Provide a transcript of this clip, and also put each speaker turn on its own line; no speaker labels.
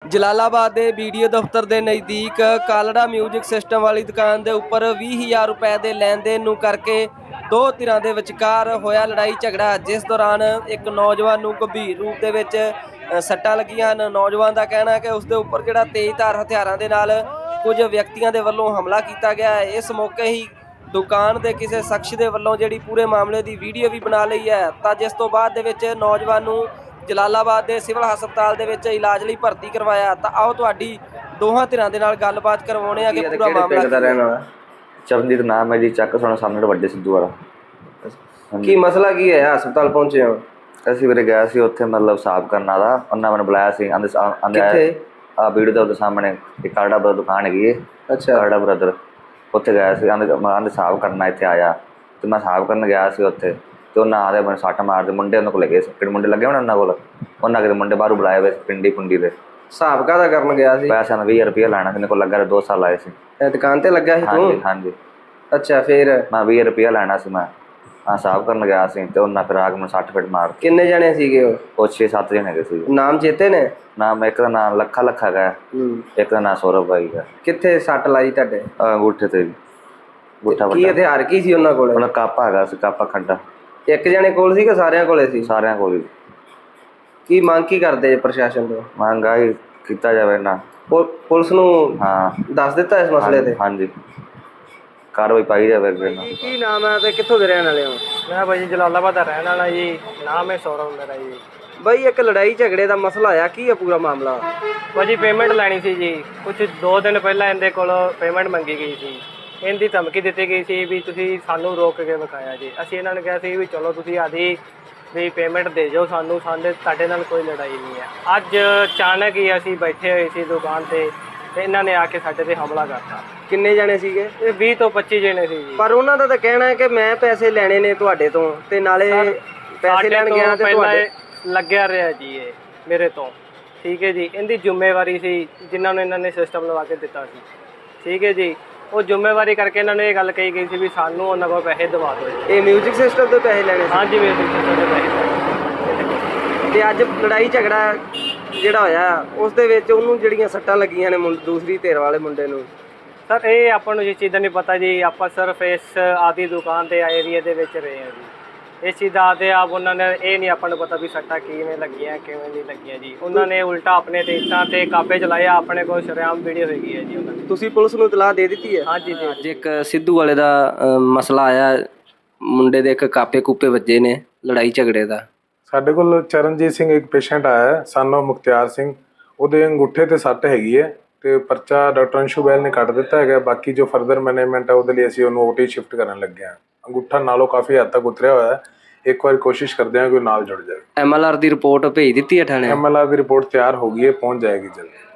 ਜਲਾਲਾਬਾਦ ਦੇ BDO ਦਫ਼ਤਰ ਦੇ ਨਜ਼ਦੀਕ ਕਾਲੜਾ ਮਿਊਜ਼ਿਕ ਸਿਸਟਮ ਵਾਲੀ ਦੁਕਾਨ ਦੇ ਉੱਪਰ 20,000 ਰੁਪਏ ਦੇ ਲੈਣ ਦੇਣ ਨੂੰ ਕਰਕੇ ਦੋ ਧਿਰਾਂ ਦੇ ਵਿਚਕਾਰ ਹੋਇਆ ਲੜਾਈ ਝਗੜਾ, ਜਿਸ ਦੌਰਾਨ ਇੱਕ ਨੌਜਵਾਨ ਨੂੰ ਗੰਭੀਰ ਰੂਪ ਦੇ ਵਿੱਚ ਸੱਟਾਂ ਲੱਗੀਆਂ ਹਨ। ਨੌਜਵਾਨ ਦਾ ਕਹਿਣਾ ਹੈ ਕਿ ਉਸ ਦੇ ਉੱਪਰ ਜਿਹੜਾ ਤੇਜ਼ਧਾਰ ਹਥਿਆਰਾਂ ਦੇ ਨਾਲ ਕੁਝ ਵਿਅਕਤੀਆਂ ਦੇ ਵੱਲੋਂ ਹਮਲਾ ਕੀਤਾ ਗਿਆ ਹੈ। ਇਸ ਮੌਕੇ ਹੀ ਦੁਕਾਨ ਦੇ ਕਿਸੇ ਸ਼ਖਸ ਦੇ ਵੱਲੋਂ ਜਿਹੜੀ ਪੂਰੇ ਮਾਮਲੇ ਦੀ ਵੀਡੀਓ ਵੀ ਬਣਾ ਲਈ ਹੈ, ਤਾਂ ਜਿਸ ਤੋਂ ਬਾਅਦ ਦੇ ਵਿੱਚ ਨੌਜਵਾਨ ਨੂੰ ਜਲਾਲਾਬਾਦ ਦੇ ਸਿਵਲ ਹਸਪਤਾਲ ਦੇ ਵਿੱਚ ਇਲਾਜ ਲਈ ਭਰਤੀ ਕਰਵਾਇਆ। ਤਾਂ ਆਓ ਤੁਹਾਡੀ ਦੋਹਾਂ ਧਿਰਾਂ ਦੇ ਨਾਲ ਗੱਲਬਾਤ ਕਰਵਾਉਣੇ ਆ ਕਿ ਪੂਰਾ ਮਾਮਲਾ
ਚਰਨਜੀਤ ਨਾਮ ਹੈ ਜੀ, ਚੱਕ ਸੁਣਾ ਸਾਹਮਣੇ ਵੱਡੇ ਸਿੱਧੂ ਵਾਲਾ।
ਕੀ ਮਸਲਾ ਕੀ ਹੈ? ਹਸਪਤਾਲ ਪਹੁੰਚੇ ਹੋ?
ਅਸੀਂ ਵੀਰੇ ਗਿਆ ਸੀ ਉੱਥੇ ਮਤਲਬ ਸਾਫ਼ ਕਰਨ ਦਾ, ਉਹਨਾਂ ਮੈਨੂੰ ਬੁਲਾਇਆ ਸੀ। ਆਂਦੇ ਆ ਵੀਡੀਓ ਦੇ ਉਹਦੇ ਸਾਹਮਣੇ ਇੱਕ ਕਾਲੜਾ ਬਰਦਰ ਦੁਕਾਨ ਹੈਗੀ ਹੈ। ਅੱਛਾ, ਕਾਲੜਾ ਬਰਦਰ ਉੱਥੇ ਗਿਆ ਸੀ। ਆਂਦੇ ਸਾਫ਼ ਕਰਨਾ ਇੱਥੇ ਆਇਆ, ਅਤੇ ਮੈਂ ਸਾਫ਼ ਕਰਨ ਗਿਆ ਸੀ ਉੱਥੇ, ਅਤੇ ਉਹਨਾਂ ਆਦੇ ਮੈਨੂੰ ਸੱਟ ਮਾਰਦੇ ਮੁੰਡੇ ਉਹਨਾਂ ਕੋਲ ਲੱਗੇ, ਕਿਹੜੇ ਮੁੰਡੇ ਲੱਗੇ ਹੋਣੇ ਉਹਨਾਂ ਕੋਲ, ਉਹਨਾਂ ਕਿਤੇ ਮੁੰਡੇ ਬਾਹਰੋਂ ਬੁਲਾਏ ਹੋਏ ਪਿੰਡੀ ਪੁੰਡੀ ਦੇ।
ਹਿਸਾਬ ਕਾਹਦਾ ਕਰਨ ਗਿਆ ਸੀ?
ਪੈਸਿਆਂ ਦਾ 20 ਰੁਪਏ ਲੈਣਾ ਸੀ, ਕੋਲ ਲੱਗਾ 2 ਸਾਲ ਆਏ ਸੀ।
ਦੁਕਾਨ ਤੇ ਲੱਗਾ ਸੀ ਤੂੰ?
ਹਾਂਜੀ।
ਅੱਛਾ, ਫਿਰ
ਮੈਂ 20 ਰੁਪਏ ਲੈਣਾ ਸੀ। ਮੈਂ ਸਾਫ਼ ਕਰਨ ਗਿਆ ਸੀ, ਅਤੇ ਉਹਨਾਂ ਫਿਰ ਆ ਕੇ ਮੈਨੂੰ 60 ਫੇਟ ਮਾਰ।
ਕਿੰਨੇ ਜਣੇ ਸੀਗੇ ਉਹ?
6-7 ਜਣੇ ਹੈਗੇ ਸੀ।
ਨਾਮ ਚੇਤੇ ਨੇ?
ਨਾਮ ਇੱਕ ਦਾ ਨਾਮ ਲੱਖਾ ਹੈਗਾ, ਇੱਕ ਦਾ ਨਾਮ ਸੌਰਵ ਬਾਈ ਹੈ।
ਕਿੱਥੇ ਸੱਟ ਲਾਈ ਤੁਹਾਡੇ?
ਅੰਗੂਠੇ ਤੇ।
ਕੀ ਹਥਿਆਰ ਕੀ ਸੀ ਉਹਨਾਂ ਕੋਲ?
ਉਹਨਾਂ ਕਾਪਾ ਹੈਗਾ ਸੀ, ਕਾਪਾ ਖੰਡਾ।
ਇੱਕ ਜਣੇ ਕੋਲ ਸੀ ਕਿ ਸਾਰਿਆਂ ਕੋਲੇ ਸੀ?
ਸਾਰਿਆਂ ਕੋਲ ਹੀ।
ਕੀ ਮੰਗ ਕੀ ਕਰਦੇ ਪ੍ਰਸ਼ਾਸਨ ਤੋਂ?
ਮੰਗ ਆਹੀ ਕੀਤਾ ਜਾਵੇ ਨਾ,
ਪੁਲਿਸ ਨੂੰ ਦੱਸ ਦਿੱਤਾ ਇਸ ਮਸਲੇ ਤੇ?
ਹਾਂਜੀ, ਕਾਰਵਾਈ ਪਾਈ ਜਾਵੇ।
ਕੀ ਨਾਮ ਹੈ ਤੇ ਕਿੱਥੋਂ ਦੇ ਰਹਿਣ ਵਾਲੇ ਹੋ?
ਮੈਂ ਭਾਈ ਜਲਾਲਾਬਾਦ ਦਾ ਰਹਿਣ ਵਾਲਾ ਜੀ, ਨਾਮ ਹੈ ਸੌਰਵ ਮੇਰਾ ਜੀ।
ਬਾਈ, ਇੱਕ ਲੜਾਈ ਝਗੜੇ ਦਾ ਮਸਲਾ ਆਇਆ, ਕੀ ਹੈ ਪੂਰਾ ਮਾਮਲਾ?
ਭਾਜੀ ਪੇਮੈਂਟ ਲੈਣੀ ਸੀ ਜੀ, ਕੁਝ 2 ਦਿਨ ਪਹਿਲਾਂ ਇਹਦੇ ਕੋਲ ਪੇਮੈਂਟ ਮੰਗੀ ਗਈ ਸੀ। ਇਹਦੀ ਧਮਕੀ ਦਿੱਤੀ ਗਈ ਸੀ ਵੀ ਤੁਸੀਂ ਸਾਨੂੰ ਰੋਕ ਕੇ ਵਿਖਾਇਆ ਜੀ। ਅਸੀਂ ਇਹਨਾਂ ਨੂੰ ਕਿਹਾ ਸੀ ਵੀ ਚਲੋ ਤੁਸੀਂ ਆਦੀ ਵੀ ਪੇਮੈਂਟ ਦੇ ਜਾਓ ਸਾਨੂੰ, ਤੁਹਾਡੇ ਨਾਲ ਕੋਈ ਲੜਾਈ ਨਹੀਂ ਹੈ। ਅੱਜ ਅਚਾਨਕ ਹੀ ਅਸੀਂ ਬੈਠੇ ਹੋਏ ਸੀ ਦੁਕਾਨ 'ਤੇ, ਅਤੇ ਇਹਨਾਂ ਨੇ ਆ ਕੇ ਸਾਡੇ 'ਤੇ ਹਮਲਾ ਕਰਤਾ।
ਕਿੰਨੇ ਜਣੇ ਸੀਗੇ?
ਇਹ 20 ਤੋਂ 25 ਜਣੇ ਸੀ ਜੀ।
ਪਰ ਉਹਨਾਂ ਦਾ ਤਾਂ ਕਹਿਣਾ ਹੈ ਕਿ ਮੈਂ ਪੈਸੇ ਲੈਣੇ ਨੇ ਤੁਹਾਡੇ ਤੋਂ, ਤੇ ਨਾਲੇ ਪੈਸੇ ਲੈਣ ਗਿਆ ਤੇ ਤੁਹਾਡੇ
ਲੱਗਿਆ ਰਿਹਾ ਜੀ ਇਹ ਮੇਰੇ ਤੋਂ। ਠੀਕ ਹੈ ਜੀ, ਇਹਦੀ ਜ਼ਿੰਮੇਵਾਰੀ ਸੀ ਜਿਨ੍ਹਾਂ ਨੂੰ ਇਹਨਾਂ ਨੇ ਸਿਸਟਮ ਲਵਾ ਕੇ ਦਿੱਤਾ ਸੀ। ਠੀਕ ਹੈ ਜੀ, ਉਹ ਜ਼ਿੰਮੇਵਾਰੀ ਕਰਕੇ ਇਹਨਾਂ ਨੂੰ ਇਹ ਗੱਲ ਕਹੀ ਗਈ ਸੀ ਵੀ ਸਾਨੂੰ ਉਹਨਾਂ ਕੋਲ ਪੈਸੇ ਦਵਾ ਦਿਓ।
ਇਹ ਮਿਊਜ਼ਿਕ ਸਿਸਟਮ ਤੋਂ ਪੈਸੇ ਲੈਣੇ ਸੀ?
ਹਾਂਜੀ, ਮਿਊਜ਼ਿਕ ਸਿਸਟਮ ਤੋਂ ਪੈਸੇ।
ਤੇ ਅੱਜ ਲੜਾਈ ਝਗੜਾ ਜਿਹੜਾ ਹੋਇਆ ਉਸ ਦੇ ਵਿੱਚ ਉਹਨੂੰ ਜਿਹੜੀਆਂ ਸੱਟਾਂ ਲੱਗੀਆਂ ਨੇ ਦੂਸਰੀ ਧਿਰ ਵਾਲੇ ਮੁੰਡੇ ਨੂੰ,
ਸਰ ਇਹ ਆਪਾਂ ਨੂੰ ਇਸ ਚੀਜ਼ ਦਾ ਨਹੀਂ ਪਤਾ ਜੀ। ਆਪਾਂ ਸਿਰਫ ਇਸ ਆਦੀ ਦੁਕਾਨ ਦੇ ਏਰੀਏ ਦੇ ਵਿੱਚ ਰਹੇ ਹਾਂ ਜੀ। ਇਸ ਚੀਜ਼ ਦਾ ਆਦੇ ਆਪ ਉਹਨਾਂ ਨੇ ਇਹ ਨਹੀਂ ਆਪਾਂ ਨੂੰ ਪਤਾ ਵੀ ਸੱਟਾਂ ਕਿਵੇਂ ਲੱਗੀਆਂ ਕਿਵੇਂ ਨਹੀਂ ਲੱਗੀਆਂ ਜੀ। ਉਹਨਾਂ ਨੇ ਉਲਟਾ ਆਪਣੇ ਤੇ ਇੱਟਾਂ ਤੇ ਕਾਪੇ ਚਲਾਇਆ। ਆਪਣੇ ਕੋਲ ਸ਼ਰੇਆਮ ਵੀਡੀਓ ਹੈਗੀ ਹੈ ਜੀ ਉਹਨਾਂ ਦੀ।
ਤੁਸੀਂ ਪੁਲਿਸ ਨੂੰ ਇਤਲਾਹ ਦੇ ਦਿੱਤੀ ਹੈ?
ਹਾਂਜੀ ਜੀ।
ਅੱਜ ਇੱਕ ਸਿੱਧੂ ਵਾਲੇ ਦਾ ਮਸਲਾ ਆਇਆ, ਮੁੰਡੇ ਦੇ ਇੱਕ ਕਾਪੇ ਕੂਪੇ ਵੱਜੇ ਨੇ, ਲੜਾਈ ਝਗੜੇ ਦਾ।
ਸਾਡੇ ਕੋਲ ਚਰਨਜੀਤ ਸਿੰਘ ਇੱਕ ਪੇਸ਼ੈਂਟ ਆਇਆ, ਸਾਨੂੰ ਮੁਖਤਿਆਰ ਸਿੰਘ, ਉਹਦੇ ਅੰਗੂਠੇ ਤੇ ਸੱਟ ਹੈਗੀ ਹੈ, ਤੇ ਪਰਚਾ ਡਾਕਟਰ ਅੰਸ਼ੂ ਬੈਲ ਨੇ ਕੱਟ ਦਿੱਤਾ ਹੈਗਾ। ਬਾਕੀ ਜੋ ਫਰਦਰ ਮੈਨੇਜਮੈਂਟ ਹੈ ਉਹਦੇ ਲਈ ਅਸੀਂ ਉਹਨੂੰ OT ਸ਼ਿਫਟ ਕਰਨ ਲੱਗੇ ਹਾਂ। ਅੰਗੂਠਾ ਨਾਲੋਂ ਕਾਫੀ ਹੱਦ ਤੱਕ ਉਤਰਿਆ ਹੋਇਆ ਹੈ। ਇੱਕ ਵਾਰ ਕੋਸ਼ਿਸ਼ ਕਰਦੇ ਹਾਂ ਕਿ ਨਾਲ ਜੁੜ ਜਾਵੇ।
MLR ਦੀ ਰਿਪੋਰਟ ਭੇਜ ਦਿੱਤੀ ਹੈ ਥਾਣੇ?
MLR ਦੀ ਰਿਪੋਰਟ ਤਿਆਰ ਹੋ ਗਈ ਹੈ, ਪਹੁੰਚ ਜਾਏਗੀ ਜਲਦੀ।